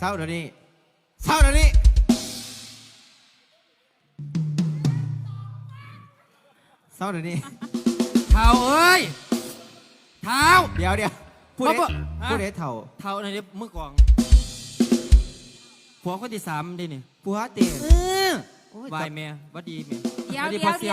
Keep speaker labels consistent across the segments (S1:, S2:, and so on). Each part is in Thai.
S1: าเดี๋ยวนี้เศร้าเดี๋ยวนี้เศร้าเดี๋ยวนี้
S2: เท่าเอ้ยเท่า
S1: เดี๋ยวพูดเด็ดเท่า
S2: ในเมื่อก่อนผัวคนที่3ดินี่
S1: ผัวเตี๋ยว
S2: วายเมียวัดดีเมีย
S3: เดี๋ยว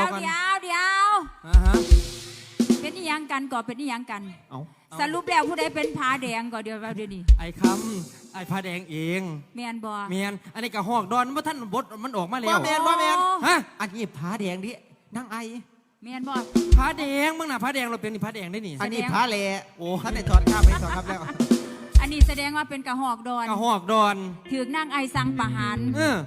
S3: เป็นนิยังกันก่อนเป็นนิยังกันสรุปแล้วผู้ใดเป็นผาแดงก่อนเดี๋ยวนี้
S2: ไอ้คำไอ้ผาแดงเอง
S3: เมียนบ่
S2: เมียนอันนี้กะหอกดอนเมื่อท่านบดมันออกมาแล้ว
S1: ว่าเมียน
S2: ฮะ
S1: อันนี้ผาแดงดินั่งไอ
S3: เมียนบ่
S2: ผาแดงมึงน่ะผาแดงเราเป็นนี่ผาแดงได้นี่
S1: อันนี้ผาเลโอ้ท่านในถอดข้ามไม่ถอดครับแล้ว
S3: อันนี้แสดงว่าเป็นกะหอกดอน
S2: กะหอกดอน
S3: ถือนั่งไอสังประหาร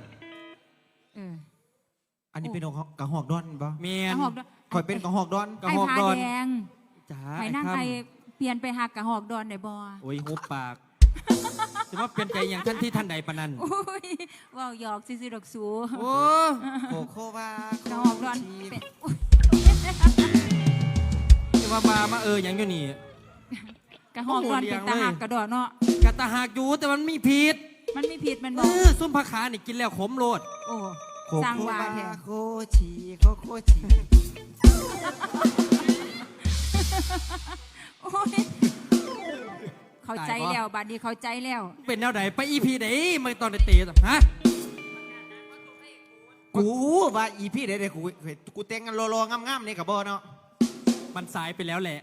S1: อันนี้เป็นกะหอกดอนป่ะ
S2: เมียน
S1: คอยเป็นกะหอกดอน
S3: ไอผาแดงไอนั่งไอเปลี่ยนไปหักกะหอกดอนได้บ่
S2: โอ้ยหุบปากจะว่าเปลี่ยนใจอย่างท่านที่ท่านใดปนัน
S3: ว้าวหยอกซิดอกสู
S2: โอ้
S1: โคว่าก
S3: ะหอกดอน
S2: จะมาอย่างอยู่นี่
S3: กะหอกดอนเป็นตาหักกระดอนเนาะ
S2: กะตาหักอยู่แต่มันมีผิด
S3: มันบอก
S2: ส้มผักขานี่กินแล้วขมโลด
S3: โอ้สร้างวาแท้
S1: โคชี
S3: เข้าใจแล้วบัดนี้เข้าใจแล้ว
S2: เป็นแนวไหนไปอีพีไหนมาตอนเตะฮะ
S1: กูว่าอีพีไหนกูแต่งกันรอๆงามๆนี่กับบ่เนาะ
S2: มันสายไปแล้วแหละ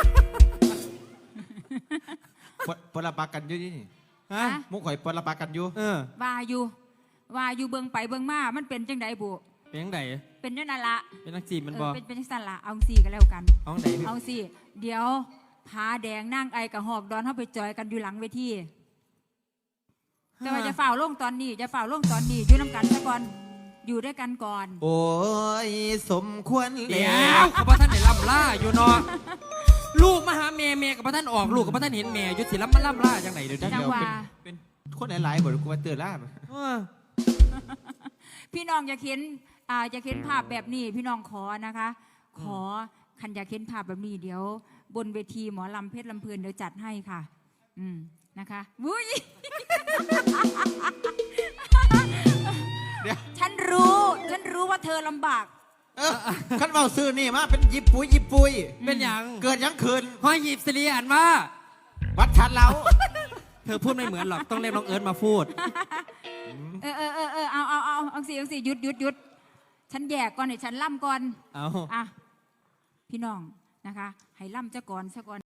S1: ปลาปากันอยู่นี่
S2: ฮะ
S1: มุกข่อยปลาปากันอยู่
S3: ว่าอยู่เบิ่งไปเบิ่งมามันเป็นจังไดบุ
S2: เป็นจังได
S3: เป็นนั่นละ
S2: เป็นนักจีบมันบอก
S3: เป็นจังสั่นละเอาสี่กันแล้วกันเอาสี่เดี๋ยวผาแดงนั่งไอกับหอกดอนเข้าไปจอยกันอยู่หลังเวทีแต่ว่าจะฝ่าล่งตอนนี้อยู่น้ำกันซะก่อนอยู่ด้วยกันก่อน
S1: โอ้ยสมควร
S2: เดี๋ยวกับพระท่านไหนล่ำล่าอยู่เนาะลูกมาหาเมย์กับพระท่านออกลูกกับพระท่านเห็นเมย์ยุติล่ำมันล่ำล่าจังไหนเดี๋ยว
S1: เป็นคนหลายๆบ่กูมาเตือนล่า
S3: พี่น้องอยากเห็นภาพแบบนี้พี่น้องขอนะคะขอคันอยากเห็นภาพแบบนี้เดี๋ยวบนเวทีหมอลำเพชรลำเพลินเดี๋ยวจัดให้ค่ะนะคะวุ้ยฉันรู้ว่าเธอลำบาก
S1: ขันเบาซื้อนี่มาเป็นยิบปุย
S2: เป็นอย่าง
S1: เกิดยังคืน
S2: ห้อยหยิบสิริอ่านว่า
S1: วัดชัดเรา
S2: เธอพูดไม่เหมือนหรอกต้องเรียกน้องเอิร์ธมาพูด
S3: เอาสิหยุดฉันแยกก่อนเดี๋ยวฉันล่ำก่อน
S2: เอา
S3: พี่น้องนะคะให้ล่ำซะก่อน